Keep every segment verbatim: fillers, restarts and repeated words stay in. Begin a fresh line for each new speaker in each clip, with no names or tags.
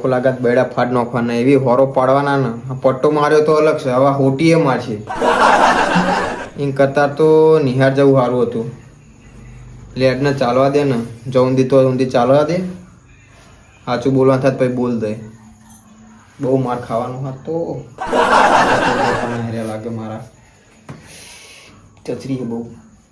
હરખો લાગત બેડા ફાટ નાખવાના એવી હોરો પાડવાના ને પટ્ટો માર્યો તો અલગ છે હવે હોટીએ મારશે એમ કરતા તો નિહાર જવું સારું હતું લેટને ચાલવા દે ને જવું દી તો ઊંધી ચાલવા દે સાચું બોલવા થાય પછી બોલ દે બહુ માર ખાવાનું હાથ તો લાગે મારા ચચરી બહુ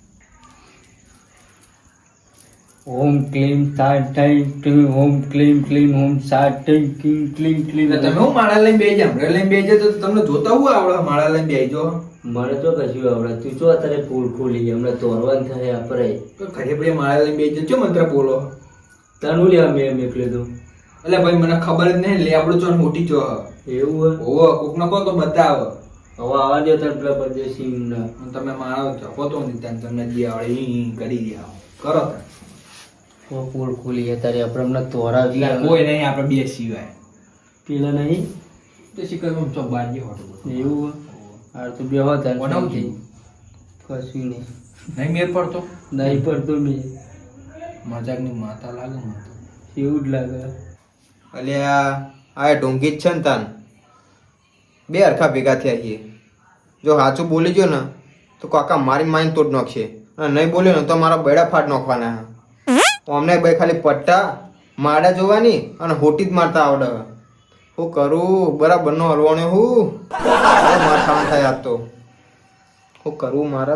ઓમ ક્લીમ સાત ટાઈ ઓમ ક્લીમ ક્લીમ ઓમ સાત ટાઈ ક્લીમ ક્લીમ ક્લીમ.
તમે હું માળા લઈને બેસી જાવ લઈને બેસી જાય તો તમને જોતા હું આવડે માળા લઈને બેસી જો
મને તો કશું આવડે તું જો અત્યારે ફૂલ ખોલી હમણાં તોરવાન થાય આપણે
તો ખરે પડે માળા લઈને બેસી જાય મંત્ર બોલો
તનું લેવા મેં મેકલે તું
એટલે ભાઈ મને ખબર જ નહીં લે આપણું ચોન મોટી ચો
એવું
ઓ કોક ના કહો તો બતાવ
હવે આવા દે તને પેલા પરદેશી ના
તમે માણો છો તો નહીં ત્યાં તમને જે આવડે ઈ કરી દે કરો
ફૂલ ખોલી અત્યારે આપણે હમણાં તોરાવી
કોઈ નહીં આપણે બે સિવાય
પેલા નહીં
તો શીખર ચોક બાર જે હોટું
એવું હાર તો બે હતા
બનાવતી
કશું નહીં
નહીં મેર પડતો
નહીં પડતો મેં
મજાકની માતા લાગે મને
એવું જ લાગે
અલ્યા આ ઢોંગી જ છે ને તાન બે હરખા ભેગા થયા છીએ જો સાચું બોલી ગયો ને તો કાકા મારી માઇન તોડ નાખશે અને નહીં બોલ્યો ને તો મારા બેડા ફાટ નાખવાના અમને ભાઈ ખાલી પટ્ટા માડા જોવાની અને હોટી જ મારતા આવડે હું કરું બરાબર નો હલવાનો હું માર ખાવાનું થાય આજ તો હું કરું મારે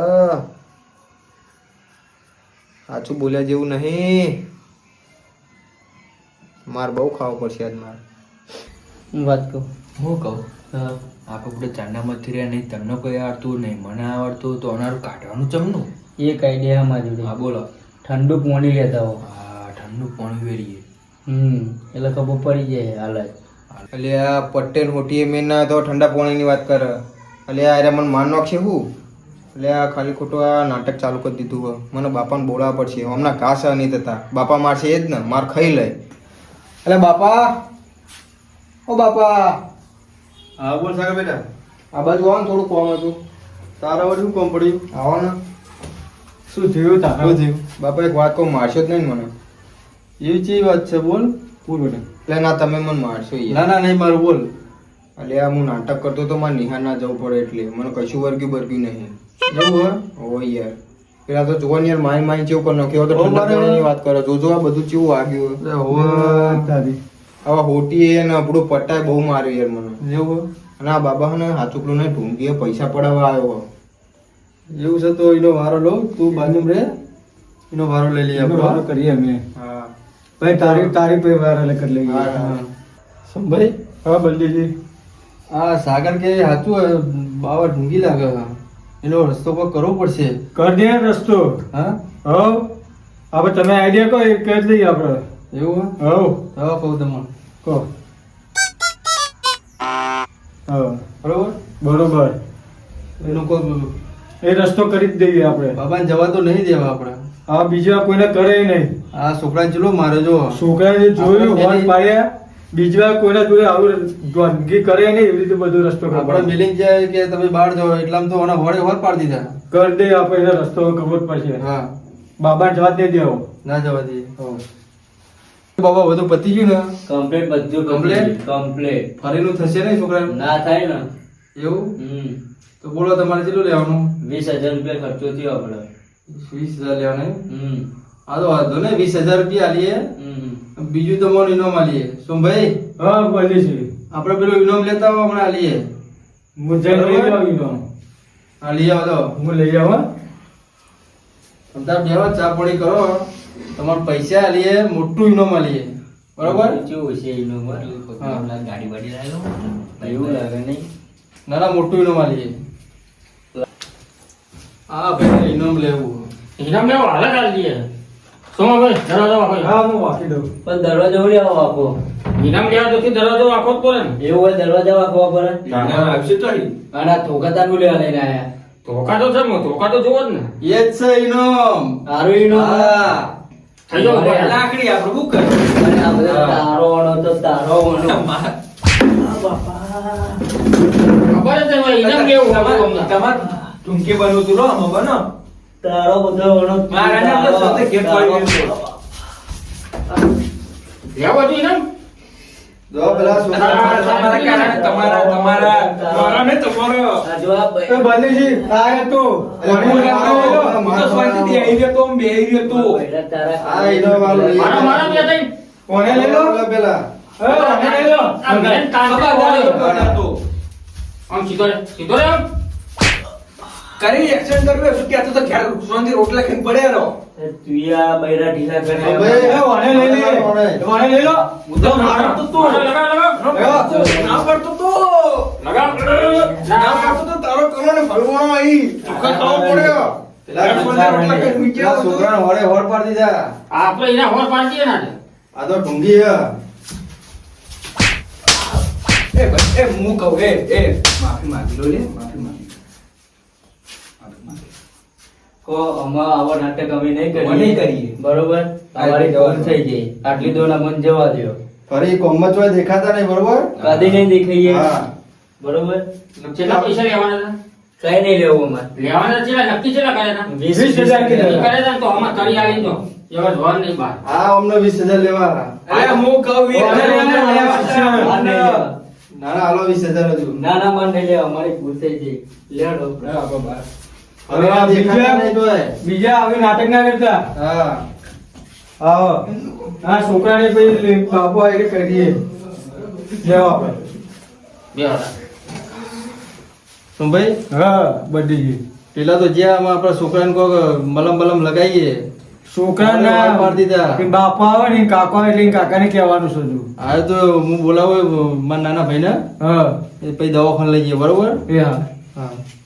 સાચું બોલ્યા જેવું નહીં માર બહુ ખાવું પડશે આજ મારે
હું વાત કહું
હું કહું
હા
આપણે બધે ચાંદામાંથી રહ્યા નહીં તમને કોઈ આવડતું નહીં મને આવડતું તો અનારું કાઢવાનું ચમનું
એક આઈડિયા મારી
હા બોલો
ઠંડુ પાણી લેતા હો
હા ઠંડુ પાણી વેરીએ
હમ એટલે ખબર પડી જાય હાલ જ
એટલે આ પટેલ હોટીએ મેં ના તો ઠંડા પાણીની વાત કરે એટલે આ મને માન નાખશે હું એટલે આ ખાલી ખોટું આ નાટક ચાલુ કરી દીધું હોય મને બાપાને બોલાવવા પડશે હમણાં ઘાસ નહીં થતા બાપા મારશે એ જ ને માર ખાઈ લે એટલે બાપા ઓ બાપા
હા બોલ સાગર બેટા
આ બાજુ આવો ને થોડું કોમ હતું
તારા વડે શું કામ પડ્યું
આવો ને
શું થયું તારા
શું થયું બાપા એક વાત કહું મારશો જ નહીં ને મને
એવી ચી વાત છે બોલ બોલ બેટા
એટલે ના તમે મને મારશો યાર
ના ના નહીં મારું બોલ
એટલે આ હું નાટક કરતો તો મારે નિહાર ના જવું પડે એટલે મને કશું વર્ગ્યું બર્ગ્યું નહીં
એવું
ઓ યાર પેલા તો જોવા ને યાર મારી મારી ચેવું કરી નાખ્યો તો ઠંડા પાણીની વાત કરે જોજો આ બધું ચેવું વાગ્યું
હે હોવા તારી
હવે હોટી ને આપણું પટ્ટાય બહુ માર્યું યાર મને
એવું
અને આ બાબા ને હાચુકલું ને ઢૂંઢીએ પૈસા પડાવવા આવ્યો
એવું છે તો એનો વારો લો તું બાજુમાં રે એનો વારો લઈ લઈએ આપણે વારો કરીએ અમે
હા
ભાઈ તારી તારી પે વારો લે કરી લઈએ
હા, હા.
સંભાઈ હા બલજીજી આ સાગર કે સાચું બાવા ઢૂંગી લાગે એનો રસ્તો કોઈ કરવો પડશે
કર દે રસ્તો
હા
હવ હવે તમે આઈડિયા કહો એ કરી દઈએ આપણે
એવું
હવ
હા કહું તમને
કહો હા
બરોબર
બરોબર
એનું કોઈ
એ રસ્તો કરી જ દઈએ આપણે
બાબાને જવા તો નહીં દેવા આપણે
આ બીજા કોઈને કરે નહીં
આ છોકરાને ચલો મારે જો
છોકરાએ જોયું
આપણે
હોર્ન પાડ્યા બીજા કોઈના જોડે આવું ગંદકી કરે નહીં એવી રીતે બધો રસ્તો
આપણે
ખબર
મિલિંગ જાય કે તમે બહાર જાઓ એટલામાં તો ઓના વડે વર પાડી દીધા
કરી દઈએ આપણે એને રસ્તો ખબર પડશે
હા
બાબાને જવા જ નહીં દેવો
ના જવા દઈએ બાબા બધું પતી ગયું ને
કમ્પ્લીટ બધું
Complete?
કમ્પ્લીટ
ફરીનું થશે ને છોકરા
ના થાય ને
એવું
હમ
તો બોલો તમારે કેટલું લેવાનું
વીસ હજાર રૂપિયા ખર્ચો થયો આપણે
વીસ હજાર લેવાનું
હમ
હા તો વાંધો ને વીસ હજાર રૂપિયા આલીએ
હમ
બીજું તો મને ઇનામ આલીએ સોમભાઈ
હા બોલી છે
આપણે પેલું ઇનામ લેતા હો હમણાં આલીએ
હું જઈને લઈ આવી દઉં
હા લઈ આવો તો
હું લઈ આવા
તમે બેવા ચા પાણી કરો તમારે પૈસા આલીએ મોટું ઇનામ આલીએ બરોબર
કેવું છે એનું
હા.
ગાડી વાડી લાવ્યો એવું લાગે નહીં
ના ના મોટું ઇનામ આલીએ હા ભાઈ ઇનામ લેવું
ઇનામ લેવો હાલે કાઢ દઈએ સોમા ભાઈ દરવાજો વાંકો
હા હું વાંકી દઉં
પણ દરવાજો ઉડી આવો આખો
ઇનામ લેવા તો દરવાજો વાંકો જ પડે ને
એવું હોય દરવાજા વાંકવા પડે
ઇનામ આવશે તો અહીં.
અને આ ધોકાતા નું લેવા લઈને આયા
ધોકા તો છે ને ધોકા તો જોવો જ ને
એ જ છે ઇનામ
તારું ઈનો
હા
થઈ જાઓ ભાઈ.
લાકડી આપણે શું કરીએ
અને આ બધા તારો વણો તો તારો વણો
ખબર જ નહીં ઇનામ લેવું
તમારે
હતું તમને.
તમારે ટૂંકી બનવું તું લો આમાં બનો
તારો બધો વણો
મારા ને આપણે સાથે ઘેર પાડી દીધું.
લેવો હતું ઇનામ
જો પેલા છોકરા
તમારા કારણે તમારા તમારા તમારા ને તમારો
આ જો આ
એ બંદીજી આ તો
હું તો શાંતિથી આવી ગયો તો હું બેહી ગયો તો
બૈરા તારા
આ ઈનો વાળો
મારા મારા બે થઈ
કોને લઈ લો
પેલા પેલા
એ કોને લઈ લો
આ બેન તાંતે બોલ્યો. આમ સીધો રે સીધો રે આમ.
કરી એક્શન કર્યું શું કે તો ઘેર શાંતિ રોટલા ખાઈને પડ્યા રહો
એ તુયા બૈરા ઢીલા કરે
હવે
એ કોને લઈ લે કોને લઈ લો
હું તો મારતો તો
લગાવ લગાવ
ના પડતો તો
લગાવ
ના પડતો તો તારો કરોને ભરવાનો આવી ચોખ્ખા ખાવા પડ્યો
પેલા
રોટલા ખાઈને મૂક્યા
પેલા છોકરાને હોડે હોડ પાડી દીધા
આપણે એના હોર પાડી દઈએ ને
આ તો ઢુંગી હે
એ ભાઈ એ હું કહું એ એ માફી માંગી લો લે માફી માંગી માફી માંગી
કો અમા આવા નાટક અમે નહીં કરીએ
અમે નહીં કરીએ.
બરોબર તમારી ભૂલ થઈ ગઈ આટલી દોના મન જવા દ્યો
ફરી કોમમાં ચોય દેખાતા નહીં બરોબર
કદી નહીં દેખાઈએ
હા
બરોબર
કેટલા પૈસા લેવાના હતા
કઈ નહીં લેવું અમારે
લેવાના ચેલા નક્કી ચેલા કર્યા હતા
વીસ
વીસ હજાર
એ
કીધા.
કરે છે ને તો આમાં કરી આવી દો એવા જોર નહીં બાર
હા અમને વીસ હજાર લેવા
અરે હું કહું એ
અરે, અરે, અરે, અરે,
માર નહીં લેવા.
ના ના હાલો વીસ હજાર હજુ
ના ના મન નહીં લેવા અમારી ભૂલ થઈ ગઈ લેડો
હવે આ દેખાતા નહીં તોય
બીજા આવી નાટક ના કરતા
હા
આવો આ છોકરાને પછી બાપુ આવીને કરીએ લેવા આપણે
બે હતા
શું ભાઈ
હા બંદીજી
પેલા તો જ્યાં આમાં આપણા છોકરાને કોક મલમ બલમ લગાવીએ
છોકરાના
હોડ પાડી દીધા
કે બાપા આવે ને કાકો આવે એટલે કાકાને કહેવાનું છે હજુ.
આ તો હું બોલાવું મારા નાના ભાઈને
હા
એ પછી દવાખાને લઈ જઈએ બરોબર
એ હા
હા